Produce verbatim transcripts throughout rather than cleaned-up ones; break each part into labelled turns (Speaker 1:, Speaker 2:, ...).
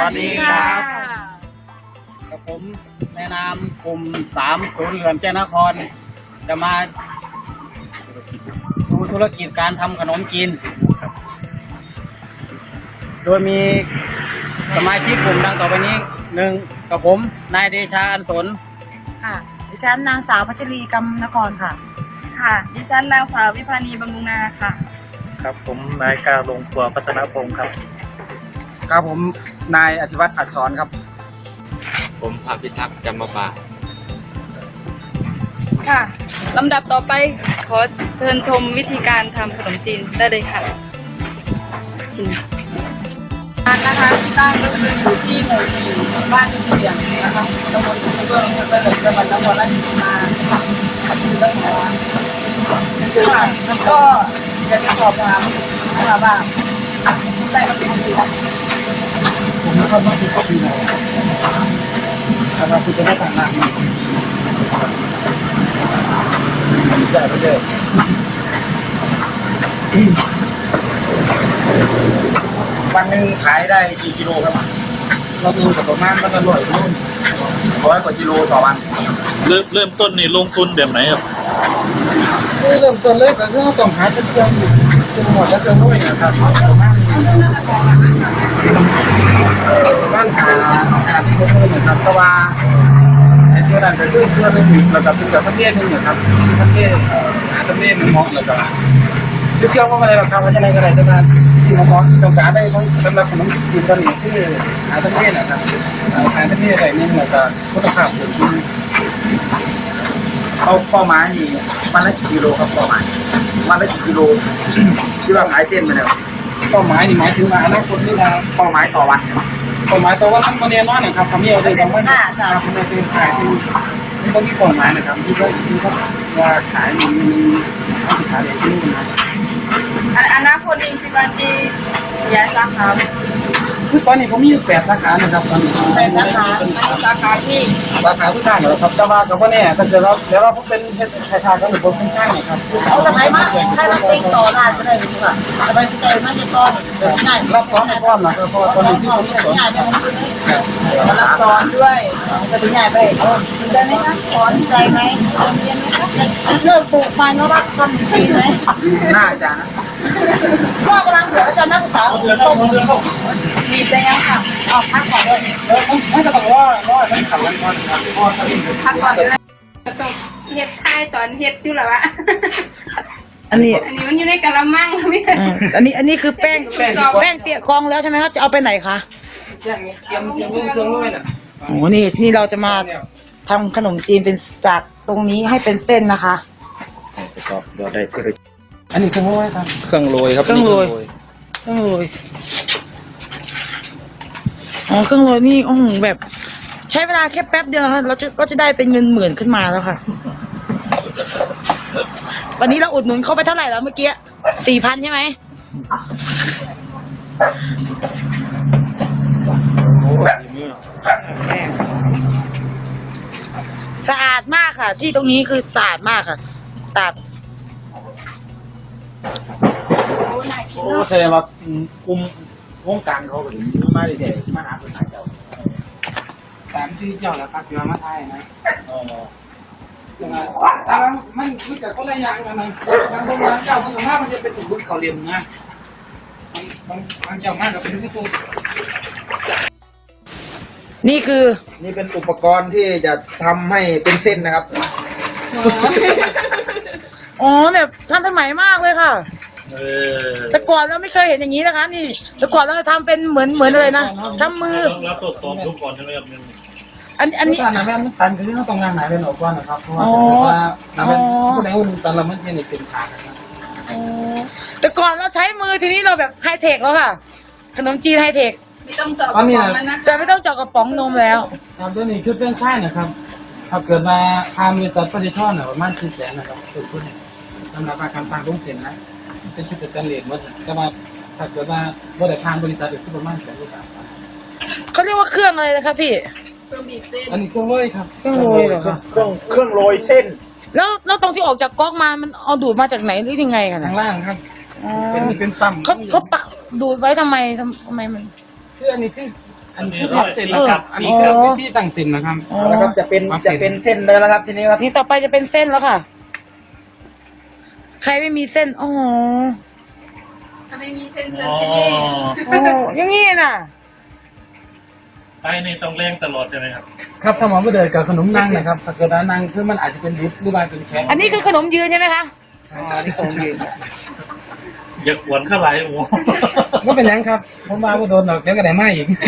Speaker 1: วัสดีครับกับผมในนามกลุ่มสามศูนย์เหลือนแก้วนครจะมาดูธุรกิจการทำขนมจีนโดยมีสมาชิกกลุ่มดังต่อไปนี้หนึ่งกับผมนายเดชาอันสน
Speaker 2: ค่ะดิฉันนางสาวพัชรีกำนครค่ะ
Speaker 3: ค่ะดิฉันนางสาววิภานีบำรุงนาค่ะ
Speaker 4: ครับผมนายกาลงครัวพัฒนพงศ์ครับ
Speaker 1: ครับผมนายอธิวัฒน์อักษรครับ
Speaker 5: ผมภาพิทักษ์จำมาบา
Speaker 3: ค่ะลำดับต่อไปขอเชิญชมวิธีการทำขนมจีนได้เลยค่ะร้านนะคะที่ตั้งก็คืออยู่ที่หมู่สี่บ้านเฉียงนะคะตำบลเบื้องอำเภอเมืองจังหวัดนครราชสีมาค่ะคือต้องบอกว่าค่ะแล้วก็อยากจะสอบถามนะคะว่าได้มาเป็นปีแล้ว
Speaker 1: ผมนะครับมาสิบกว่าปีแล้วครับคุณจะได้ต่างงานใช่ไม่ใช่วันหนึ่งขายได้กี่กิโลครับเราดูกับประมาณมันอร่อยรุ่นร้อยกว่ากิโลต่อวัน
Speaker 4: เริ่มเริ่มต้นนี่ลงทุนแบบไหนครับ
Speaker 1: เริ่มต้นเลยก็คือต้องหาเครื่องเครื่องหมดและเครื่องด้วยนะครับประมาณบ้านหาหาที่เขาเพิ่มนะครับเพราะว่าไอ้ตัวนั้นจะคือตัวนึงแล้วก็เป็นแบบประเภทนึงนะครับประเภทหาประเภทเหมาะแล้วก็คือเชื่อว่าอะไรบ้างครับว่าจะอะไรก็ได้จะมาที่เหมาะต้องการได้ทั้งสำหรับขนมจีนตอนนี้ที่หาประเภทนะครับหาประเภทอะไรนึงแล้วก็คุณภาพสูงเอาเป้าหมายนี่วันละกี่กิโลครับเป้าหมายวันละกี่กิโลที่ว่าขายเส้นมาแล้วเป้าหมายนี่หมายถึงว่าอนาคตนี่นะเป้าหมายต่อวันเป้าหมายต่อวันทั้งประเด็นน้อยนะครับทำให้เราได้ทำว่าครับมันเป็นขายที่ที่ต้องมีเป้าหมายนะครับที่เขาที่เขาว่าขายมันมีต้องขายอย่างที่นู่นนะ
Speaker 3: อนาคตนี้ที่วันที่ย้ายสาขา
Speaker 1: คือตอนนี้ผมมีอยู่แปดสาขานะครับตอนนี้
Speaker 3: แปดสาขาสาขาที่
Speaker 1: สาขาทุกท่านนะครับแต่ว่ากับว่าเนี่ยถ้าเกิดเราเดี๋ยวเราผมเป็นชายชาก็หรือผมเป็นช่างนะครับ
Speaker 2: เอาทำไมมาให้มันเต็งต่อได้ก็ได้ดีกว่าทำไมใจมันจะต้อนง่าย
Speaker 1: รับซ้อนในก้อนนะครับเพราะตอนนี้ที่ผมสอน
Speaker 2: ง่ายไปรับซ้อนด้วยจะเป็นง่ายไปได้ไหมคะสอนใจไหมเรียนไหมคะเริ่มปลูกมันแล้วรักทำจีนไหม
Speaker 1: น่าจะนะ
Speaker 2: พ่อกำลังเสืออาจารย์นักศึกษา
Speaker 1: เดือนต้นเดือนต้น
Speaker 3: มีไปยังค่ะ
Speaker 2: ออกพักก่อนเลย
Speaker 1: เออไม่จะบอกว่าว่าท่านขับรถก่อนครับ
Speaker 3: พักก่อนเลยต้องเฮ็ดท้ายตอนเฮ็ดอยู่แล้วอะ
Speaker 2: อันนี้
Speaker 3: อันนี้มันอยู่ในกะละมังไม่ใช่
Speaker 2: อันนี้อันนี้คือแป้งแป้งเตี้ยกองแล้วใช่ไหมครับจะเอาไปไหนคะ
Speaker 1: เตรียมเตรียมเครื่องด้วยนะ
Speaker 2: โอ้นี่นี่เราจะมาทำขนมจีนเป็นจากตรงนี้ให้เป็นเส้นนะคะ
Speaker 5: จะกรอบเดี๋ยวได้เสร็จ
Speaker 1: อันนี้เครื่องโรยครับ
Speaker 5: เครื่องโรยครับ
Speaker 2: เครื่องโรยเครื่องโรยอ๋อเครื่องโรยนี่โอ้โหแบบใช้เวลาแค่แป๊บเดียวเราจะก็จะได้เป็นเงินหมื่นขึ้นมาแล้วค่ะวันนี้เราอุดหนุนเข้าไปเท่าไหร่แล้วเมื่อกี้สี่พันใช่ไหมสะอาดมากค่ะที่ตรงนี้คือสะอาดมากค่ะสะอาด
Speaker 1: โอ้แสดงว่ากลุ่มวงการเขาถึงมาเด็กๆมาหาคนขายเจ้าสามสี่เจ้าแล้วครับอยู่มาไทยนะอ๋อแต่ว่ามันมันกับคนละอย่างกันนะบางคนบางเจ้าบางสภาพมันจะเป็นสมบูรณ์เขาเรียนนะบางบางเจ้ามากกับเป็นที่ตัว
Speaker 2: นี่คือ
Speaker 1: นี่เป็นอุปกรณ์ที่จะทำให้เป็นเส้นนะครับ
Speaker 2: อ๋อแบบทันสมัยมากเลยค่ะแต่ก่อนเราไม่เคยเห็นอย่างนี้นะคะนี่แต่ก่อนเราทำเป็นเหมือนเหมือนอะไรนะทำมือ
Speaker 4: แล้วตรวจสอบทุกก่อนใช่ไหมครับ
Speaker 2: อันอันนี้
Speaker 1: การน้ำแม่ตันคือต้องงานไหนเป็นออกก่อนนะครับเพราะว่าน้ำแม่ผู้ใดหุ้นตอนเราไม่ใช่ในสินค้านะครับ
Speaker 2: แต่ก่อนเราใช้มือทีนี้เราแบบไฮเทคแล้วค่ะขนมจีนไฮเทค
Speaker 3: ไม่ต้องเจาะกระป๋องแล้วนะ
Speaker 2: จะไม่ต้องเจาะกระป๋องนมแล้ว
Speaker 1: ครับตัวนี้คือเป็นใช่นะครับถ้าเกิดมาทำบริษัทผลิตท่อเนี่ยประมาณสี่แสนนะครับคือคุณสำหรับการตั้งโรงเสียนนะเป็นชุดเป็นเลนหมดแต่ว่าถ้าเกิดว่าบริษัทบริษัทคือประมาณแสนกว่าบาท
Speaker 2: เขาเรียกว่าเครื่องอะไรนะครับพี่
Speaker 3: เครื่องบีบเส้น
Speaker 1: อันนี้เครื่องโรยครับ
Speaker 2: เครื่องโรยเหรอครับ
Speaker 1: เครื่องเครื่องโรยเส้น
Speaker 2: แล้วแล้วตรงที่ออกจากก๊อกมามันเอาดูดมาจากไหนหรือยังไงกัน
Speaker 1: ข้างล่างครับเป็นเป็นปั๊ม
Speaker 2: เขาเขาปะดูดไว้ทำไมทำไมมัน
Speaker 1: คืออันนี้คือคอันนี้คือเส้นนะครับอันนี้คือวิธีตั้งเส้นนะครับ
Speaker 2: อ๋อ
Speaker 5: แล้วครับจะเป็นจะเป็นเส้นเลยแล้วครับทีนี้ครับ
Speaker 2: นี่ต่อไปจะเป็นเส้นแล้วค่ะ ใครไม่มีเส้น อ๋อ
Speaker 3: ถ้าไม่มีเส้นเชิญ
Speaker 4: อ๋อ
Speaker 3: ที่นี่
Speaker 2: โอ้อยังงี้น่ะ
Speaker 4: ไอ้นี่ต้องเร่งตลอดใช่ไหมครับ
Speaker 1: ครับถ้าหมอไม่เดินกับขนมนั่งนะครับถ้าเกิดว่านั่งคือมันอาจจะเป็นดิบหรือว่าเป็นแฉะ
Speaker 2: อันนี้คือขนมยืนใช่ไหมคะ อ๋ออันนี้ขนมยืน
Speaker 4: อย่าขวนเข้าไหลหมู
Speaker 1: ก็เป็นยังครับผมมาว่าโดนหรอกเดี๋ยวก็ได้มาอีก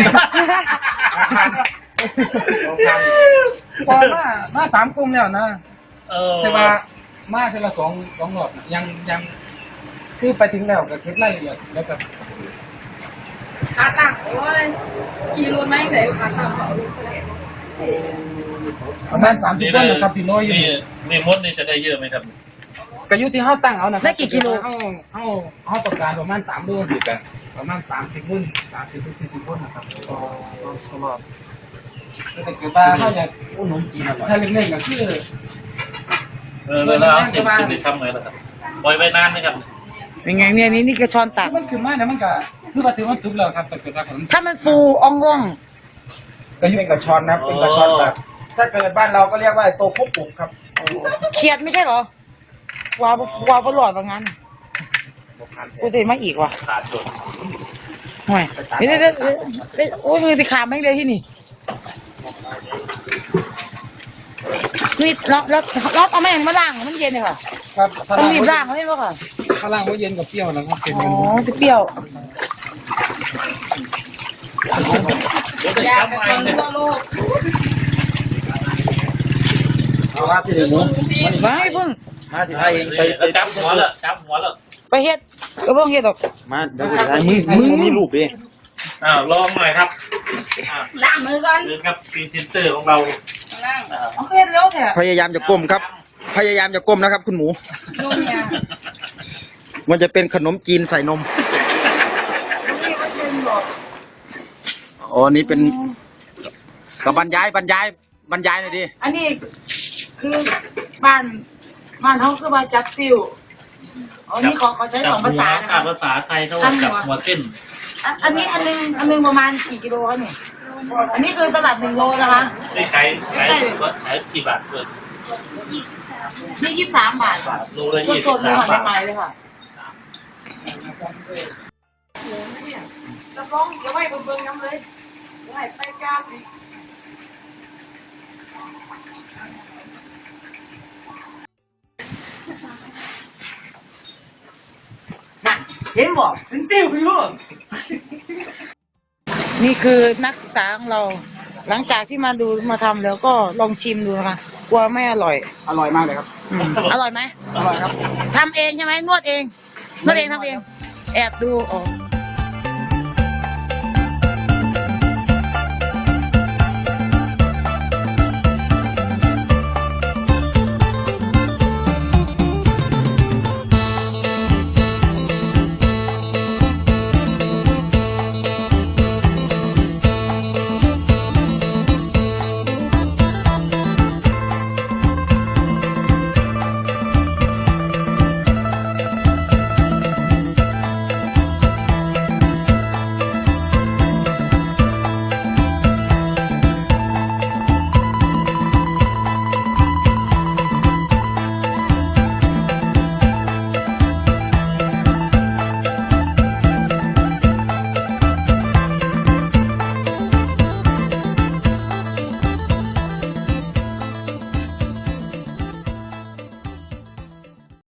Speaker 1: พอมามาสามกลุ่มแล้วนะ
Speaker 4: เออ
Speaker 1: แต่ว่ามาเทอละสองสองหลอดน่ะยังยังคือไปถึงแล้วก็เก็บรายละเอียดแล้วก็
Speaker 3: ขาตั้งโอ้ยขี่รถไม่ใส่ขาตั้งเขาลูกเลย
Speaker 1: ประมาณสามสิบต้นนะครับพี่น้อยอยู่
Speaker 4: นี่นี่มดนี่จะได้เยอะไหมครับ
Speaker 1: ก็อยู่ที่เฮาตั้งเอานะครั
Speaker 2: ได้กี่กิโล
Speaker 1: เฮาเฮาเฮาต้องการประมาณสามโลอยู่กันประมาณสามสิบรุ่นสามสิบถึงสี่สิบรุ่นนะครับต่อต่อตลอดแต่เกิดว่าเฮาอยากอุดหนุนจีนอร่อยถ้าเล็กๆก็คือ
Speaker 4: เออแล้วเอาติดติดทำไงล่ะครับปล่อยไว้นานไหมครับ
Speaker 2: เป็นไงเนี่ยนี่นี่กระชอนตัก
Speaker 1: คือมันขึ้นมาเนี่ยมันก็คือว่าถือว่าสุกแล้วครับแต่เกิดว่าขนม
Speaker 2: ถ้ามันฟูอ่องร่อง
Speaker 5: ก็เป็นกระชอนนะครับเป็นกระชอนแบบถ้าเกิดบ้านเราก็เรียกว่าโตคุกปุกครับ
Speaker 2: เขียดไม่ใช่เหรอ วาววาวบอลอดว่างั้นกูเสียมาอีกว่ะ
Speaker 4: ขาดจด
Speaker 2: ห่วยเดี๋ยวเดี๋ยวเดี๋ยวเดี๋ยวโอ้ยมือติขาดแม่งเลยที่นี่นี่ล็อกล็อกล็อกเอาแม่งมาล่างมันเย็นเลยค่ะ
Speaker 1: ครับถ้า
Speaker 2: ต้อง
Speaker 1: ล่าง
Speaker 2: รีบล่างเลยป่ะค่ะ
Speaker 1: ถ้าล่างว่าเย็นกับเปรี้ยวนะครับเป็น
Speaker 2: อ๋
Speaker 1: กัน
Speaker 2: อจะเปรี้ยว
Speaker 3: อยากจะคนทั่วโลก
Speaker 5: เอาละที่หนึ่งหมู
Speaker 2: ไม่เพิ่ง
Speaker 5: มาที่ไทยเองไปไป
Speaker 4: จับหัวเลยจับหัวเลย
Speaker 2: ไปเฮ็ดก็เพิ่งเฮ็ดหรอก
Speaker 5: มาเดี๋ยวไปถ่ายมึงมึงมึงมีรูปดิ
Speaker 4: อ้าวลองหน่อยครับอ่า
Speaker 3: ล้างมือก่อน
Speaker 4: เดินครับพรีเซนเตอร์ของเรา
Speaker 3: นั่ง
Speaker 4: อ่า
Speaker 2: เอาเฮ็ดแล้วแท้
Speaker 5: พยายามจะก้มครับ พยายามจะก้มนะครับ คุณหมู
Speaker 3: นุ่มเนี่ย
Speaker 5: มันจะเป็นขนมจีนใส่นมอ๋อนี่เป็นกับบรรยายบรรยายบรรยายหน่อยดิ
Speaker 2: อันนี้คือบ้านบ้านเขาคือมาจับซิวอ๋อนี่เขาเขาใช้สองภาษานะ
Speaker 4: จั
Speaker 2: คะ
Speaker 4: บภาษาไทยเขาว่าจับหัวเส้น
Speaker 2: อันอันนี้อันนึงอันนึงประมาณกี่กิโลคะเนี่ยอันนี้คือตลาดหนึ่งโลนะคะ
Speaker 4: นี่ขายขายขายกี่บาทเกิน
Speaker 2: นี่ยี่สิบสามบาท
Speaker 4: โลละยี่
Speaker 2: ส
Speaker 4: สิบ
Speaker 2: ดๆเลย
Speaker 4: สาม
Speaker 2: ค่ะ
Speaker 4: บาท
Speaker 2: ใหม่ๆเลยค่ะกระป๋องเดี๋ยวไว้บนเบิ้งน้ำเลยเดี๋ยวให้ไปกราบอีกน่ะเห็นบอกถึงติ้วขึ้นลูกนี่คือนักศึกษาของเรา หลังจากที่มาดูมาทำแล้วก็ลองชิมดูนะคะกลัวไม่อร่อย
Speaker 1: อร่อยมากเลยครับ
Speaker 2: อืมอร่อยไหม
Speaker 1: อร่อยครับ
Speaker 2: ทำเองใช่ไหมนวดเองนวดเองทำเอง แอบดูอ๋อ